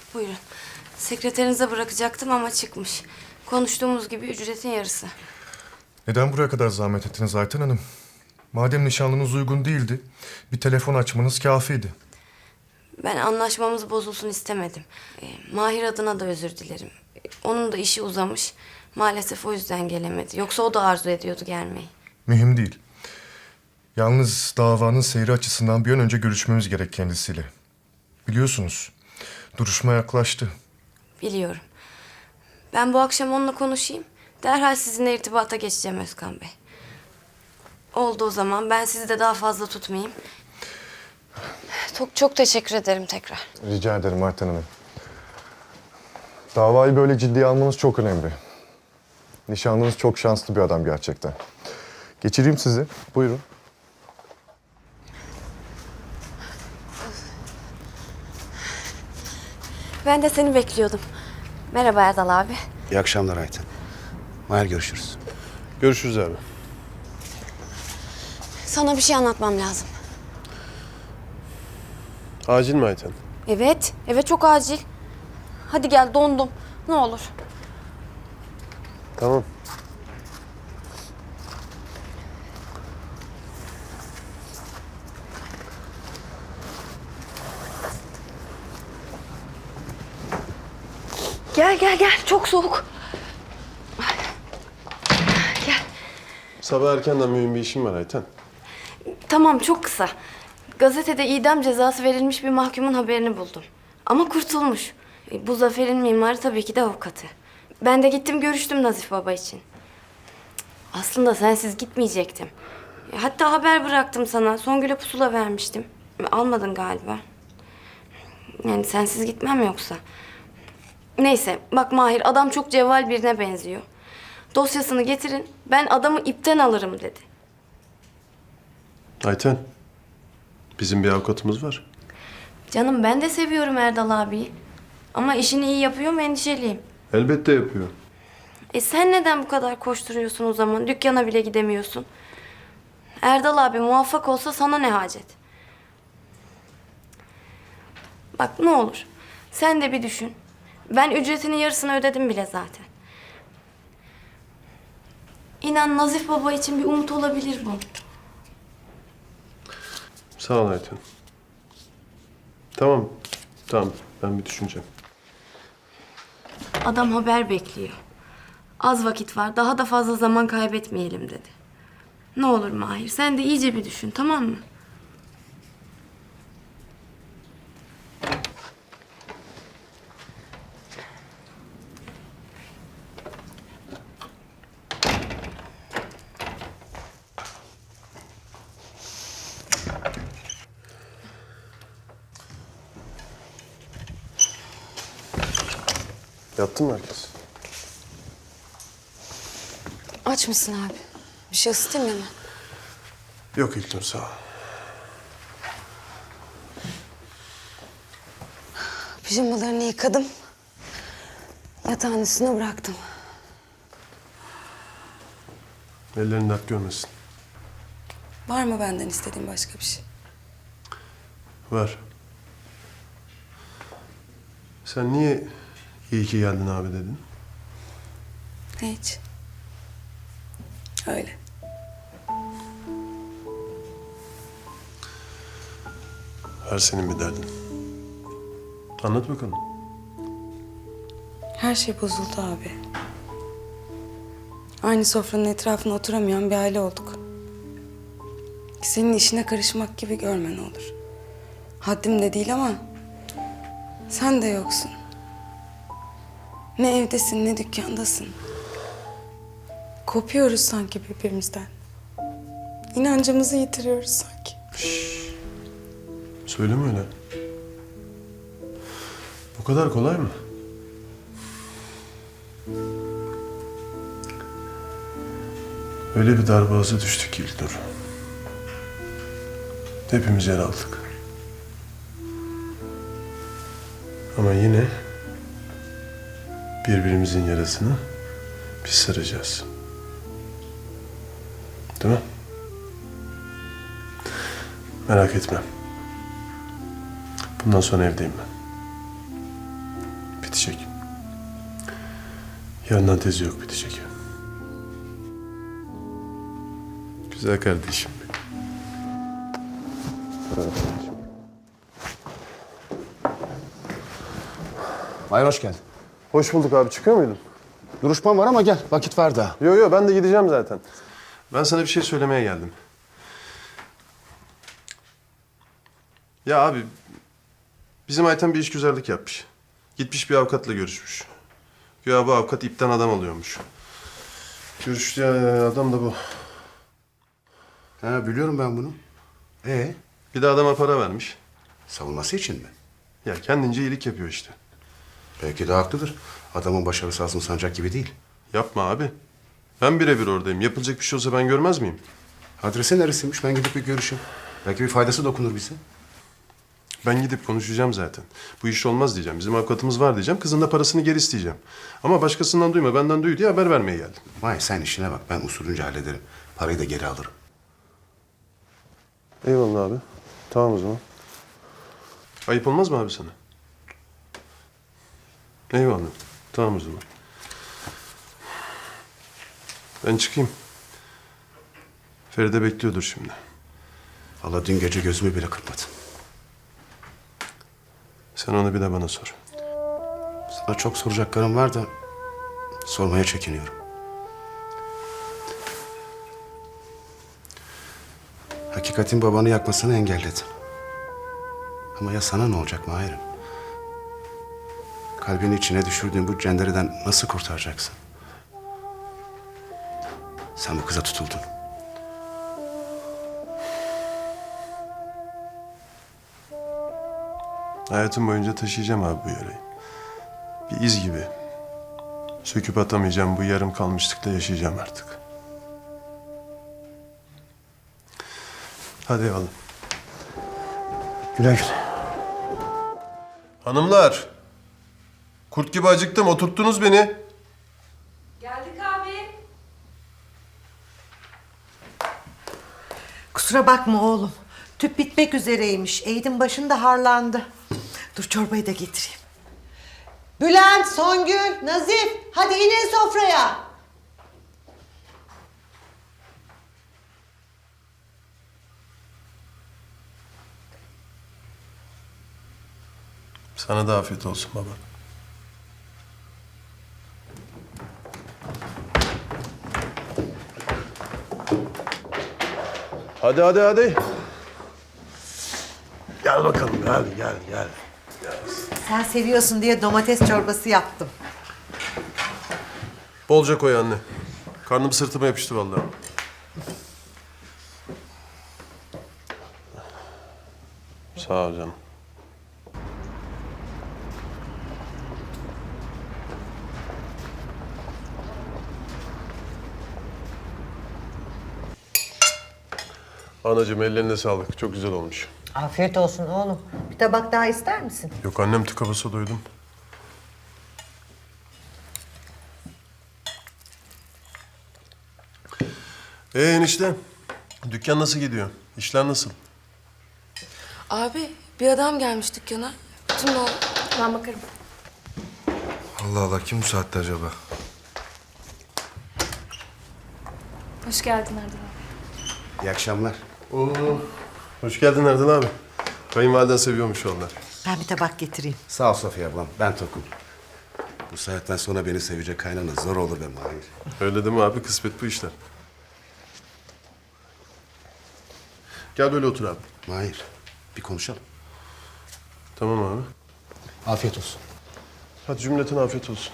Buyurun. Sekreterinize bırakacaktım ama çıkmış. Konuştuğumuz gibi ücretin yarısı. Neden buraya kadar zahmet ettiniz Ayten Hanım? Madem nişanlınız uygun değildi, bir telefon açmanız kâfiydi. Ben anlaşmamız bozulsun istemedim. Mahir adına da özür dilerim. Onun da işi uzamış. Maalesef o yüzden gelemedi. Yoksa o da arzu ediyordu gelmeyi. Mühim değil. Yalnız davanın seyri açısından bir an önce görüşmemiz gerek kendisiyle. Biliyorsunuz, duruşma yaklaştı. Biliyorum. Ben bu akşam onunla konuşayım. Derhal sizinle irtibata geçeceğim Özkan Bey. Oldu o zaman. Ben sizi de daha fazla tutmayayım. Çok teşekkür ederim tekrar. Rica ederim Ayten Hanım. Davayı böyle ciddiye almanız çok önemli. Nişanlınız çok şanslı bir adam gerçekten. Geçireyim sizi. Buyurun. Ben de seni bekliyordum. Merhaba Erdal abi. İyi akşamlar Ayten. Mahir görüşürüz. Görüşürüz abi. Sana bir şey anlatmam lazım. Acil mi Ayten? Evet çok acil. Hadi gel, dondum. Ne olur. Tamam. Gel. Çok soğuk. Gel. Sabah erkenden mühim bir işim var Ayten. Tamam, çok kısa. Gazetede idam cezası verilmiş bir mahkumun haberini buldum. Ama kurtulmuş. Bu zaferin mimarı tabii ki de avukatı. Ben de gittim görüştüm Nazif Baba için. Aslında sensiz gitmeyecektim. Hatta haber bıraktım sana. Songül'e pusula vermiştim. Almadın galiba. Yani sensiz gitmem yoksa. Neyse bak Mahir, adam çok cevval birine benziyor. Dosyasını getirin, ben adamı ipten alırım dedi. Ayten, bizim bir avukatımız var. Canım ben de seviyorum Erdal abiyi. Ama işini iyi yapıyor mu endişeliyim. Elbette yapıyor. Sen neden bu kadar koşturuyorsun o zaman? Dükkana bile gidemiyorsun. Erdal abi muvaffak olsa sana ne hacet? Bak ne olur, sen de bir düşün. Ben ücretinin yarısını ödedim bile zaten. İnan Nazif Baba için bir umut olabilir bu. Sağ ol Ayten. Tamam, ben bir düşüneceğim. Adam haber bekliyor. Az vakit var, daha da fazla zaman kaybetmeyelim dedi. Ne olur Mahir, sen de iyice bir düşün, tamam mı? Yattı mı herkes? Aç mısın abi? Bir şey ısıtayım mı? Yok İlknur, sağ ol. Pijamalarını yıkadım. Yatağın üstüne bıraktım. Ellerini dert görmesin. Var mı benden istediğin başka bir şey? Var. Sen niye iyi ki geldin abi dedin? Hiç. Öyle. Her senin bir derdin. Anlat bakalım. Her şey bozuldu abi. Aynı sofranın etrafına oturamayan bir aile olduk. Senin işine karışmak gibi görme ne olur. Haddim de değil ama sen de yoksun. Ne evdesin ne dükkandasın. Kopuyoruz sanki birbirimizden. İnancımızı yitiriyoruz sanki. Söyleme öyle. Bu kadar kolay mı? Öyle bir darboğaza düştük ki İlknur. Hepimiz yer aldık. Ama yine birbirimizin yarasını biz saracağız. Değil mi? Merak etme. Bundan sonra evdeyim ben. Bitecek. Yarından tezi yok, bitecek. Güzel kardeşim. Mahir hoş geldin. Hoş bulduk abi. Çıkıyor muydun? Duruşman var ama gel. Vakit var daha. Yo ben de gideceğim zaten. Ben sana bir şey söylemeye geldim. Ya abi, bizim Ayten bir işgüzarlık yapmış. Gitmiş bir avukatla görüşmüş. Güya bu avukat ipten adam alıyormuş. Görüştüğü adam da bu. Ha, biliyorum ben bunu. Bir de adama para vermiş. Savunması için mi? Ya kendince iyilik yapıyor işte. Belki de haklıdır. Adamın başarısı Azmi Sancak gibi değil. Yapma abi. Ben birebir oradayım. Yapılacak bir şey olsa ben görmez miyim? Adresi neresiymiş? Ben gidip bir görüşeyim. Belki bir faydası dokunur bize. Ben gidip konuşacağım zaten. Bu iş olmaz diyeceğim. Bizim avukatımız var diyeceğim. Kızın da parasını geri isteyeceğim. Ama başkasından duyma, benden duy diye haber vermeye geldim. Mahir sen işine bak. Ben usulünce hallederim. Parayı da geri alırım. Eyvallah abi. Tamam o zaman. Ayıp olmaz mı abi sana? Eyvallah. Tamam o zaman. Ben çıkayım. Feride bekliyordur şimdi. Vallahi dün gece gözümü bile kırpmadım. Sen onu bir de bana sor. Sana çok soracaklarım var da sormaya çekiniyorum. Hakikatin babanı yakmasını engelledin. Ama ya sana ne olacak Mahir'im? Kalbini içine düşürdüğün bu cendereden nasıl kurtaracaksın? Sen bu kıza tutuldun. Hayatım boyunca taşıyacağım abi bu yarayı. Bir iz gibi. Söküp atamayacağım, bu yarım kalmışlıkla yaşayacağım artık. Hadi eyvallah. Güle güle. Hanımlar. Kurt gibi acıktım, oturttunuz beni. Geldik abi. Kusura bakma oğlum. Tüp bitmek üzereymiş. Eğitim başında harlandı. Dur çorbayı da getireyim. Bülent, Songül, Nazif, hadi inin sofraya. Sana da afiyet olsun baba. Hadi. Gel bakalım, gel. Sen seviyorsun diye domates çorbası yaptım. Bolca koy anne. Karnım sırtıma yapıştı vallahi. Sağ ol canım. Anacığım ellerine sağlık. Çok güzel olmuş. Afiyet olsun oğlum. Bir tabak daha ister misin? Yok annem tıka basa doydum. Enişte. Dükkan nasıl gidiyor? İşler nasıl? Abi bir adam gelmiş dükkana. Kim o? Ben bakarım. Allah Allah, kim bu saatte acaba? Hoş geldin Erdal abi. İyi akşamlar. Oo. Hoş geldin Erdal abi. Kayınvaliden seviyormuş onlar. Ben bir tabak getireyim. Sağ ol Safiye ablam. Ben tokum. Bu saatten sonra beni sevecek kaynana zor olur be Mahir. Öyle değil mi abi? Kısmet bu işler. Gel böyle otur abi. Mahir, bir konuşalım. Tamam abi. Afiyet olsun. Hadi cümleten afiyet olsun.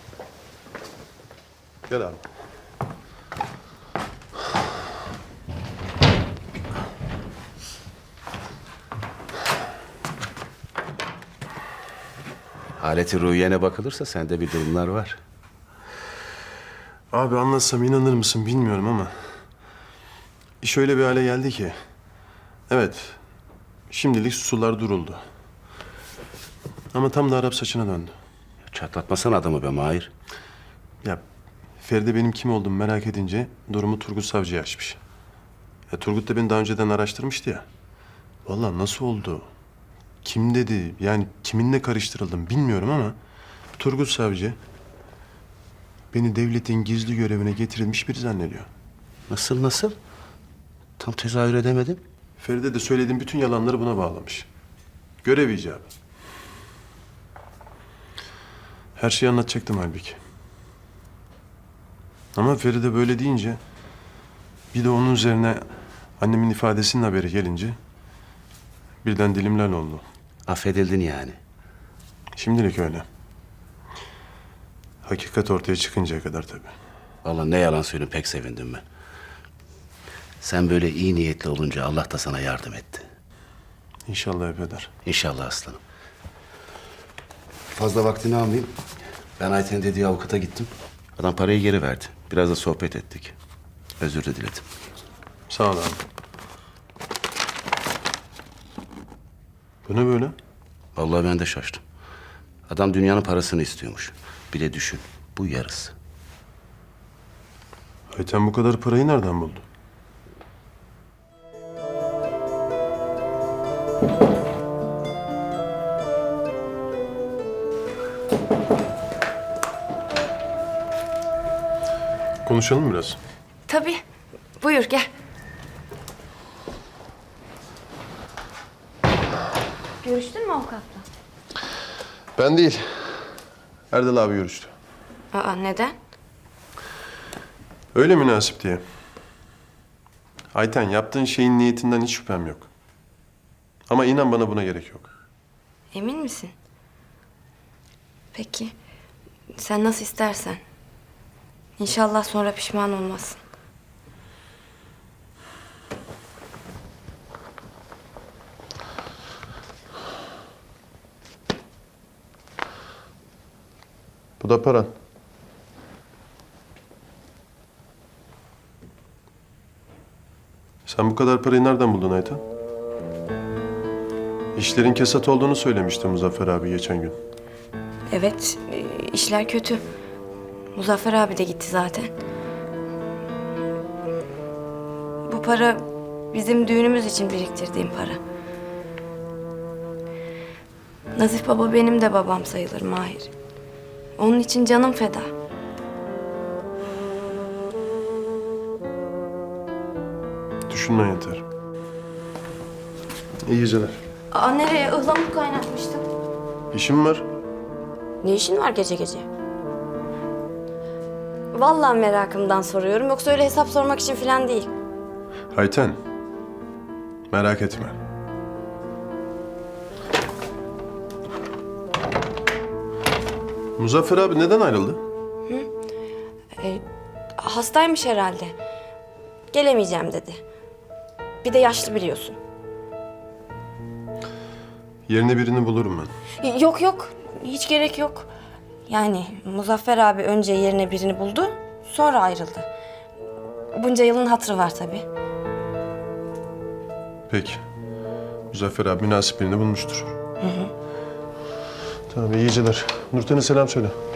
Gel abi. Haleti ruhiyene bakılırsa sende bir durumlar var. Abi anlatsam inanır mısın bilmiyorum ama... iş öyle bir hale geldi ki... Evet, şimdilik sular duruldu. Ama tam da Arap saçına döndü. Çatlatmasana adamı be Mahir. Ya Feride benim kim olduğumu merak edince durumu Turgut Savcı'ya açmış. Ya Turgut da beni daha önceden araştırmıştı ya. Vallahi nasıl oldu? Kim dedi? Yani kiminle karıştırıldım bilmiyorum ama... Turgut Savcı beni devletin gizli görevine getirilmiş biri zannediyor. Nasıl? Tam tezahür edemedim. Feride de söylediğim bütün yalanları buna bağlamış. Görev icabı. Her şeyi anlatacaktım halbuki. Ama Feride böyle deyince, bir de onun üzerine annemin ifadesinin haberi gelince birden dilim lal oldu. Affedildin yani. Şimdilik öyle. Hakikat ortaya çıkıncaya kadar tabii. Vallahi ne yalan söyleyeyim, pek sevindim ben. Sen böyle iyi niyetli olunca Allah da sana yardım etti. İnşallah eder. İnşallah aslanım. Fazla vaktini almayayım. Ben Ayten'in dediği avukata gittim. Adam parayı geri verdi. Biraz da sohbet ettik. Özür de diledim. Sağ ol abi. Bu ne böyle? Vallahi ben de şaştım. Adam dünyanın parasını istiyormuş. Bir de düşün, bu yarısı. Ayten bu kadar parayı nereden buldu? Konuşalım biraz. Tabii. Buyur gel. Görüştün mü avukatla? Ben değil. Erdal abi görüştü. Aa, neden? Öyle münasip diye. Ayten, yaptığın şeyin niyetinden hiç şüphem yok. Ama inan bana, buna gerek yok. Emin misin? Peki. Sen nasıl istersen. İnşallah sonra pişman olmazsın. Bu da paran. Sen bu kadar parayı nereden buldun Ayten? İşlerin kesat olduğunu söylemişti Muzaffer abi geçen gün. Evet, işler kötü. Muzaffer abi de gitti zaten. Bu para bizim düğünümüz için biriktirdiğim para. Nazif baba benim de babam sayılır Mahir. Onun için canım feda. Düşünmen yeter. İyi geceler. Aa, nereye? Ihlamur kaynatmıştım. İşim var. Ne işin var gece gece? Vallahi merakımdan soruyorum. Yoksa öyle hesap sormak için falan değil. Ayten, merak etme. Muzaffer abi neden ayrıldı? Hastaymış herhalde. Gelemeyeceğim dedi. Bir de yaşlı biliyorsun. Yerine birini bulurum ben. Yok yok. Hiç gerek yok. Yani Muzaffer abi önce yerine birini buldu. Sonra ayrıldı. Bunca yılın hatırı var tabii. Peki. Muzaffer abi münasip birini bulmuştur. Tamam, iyi geceler. Nurten'e selam söyle.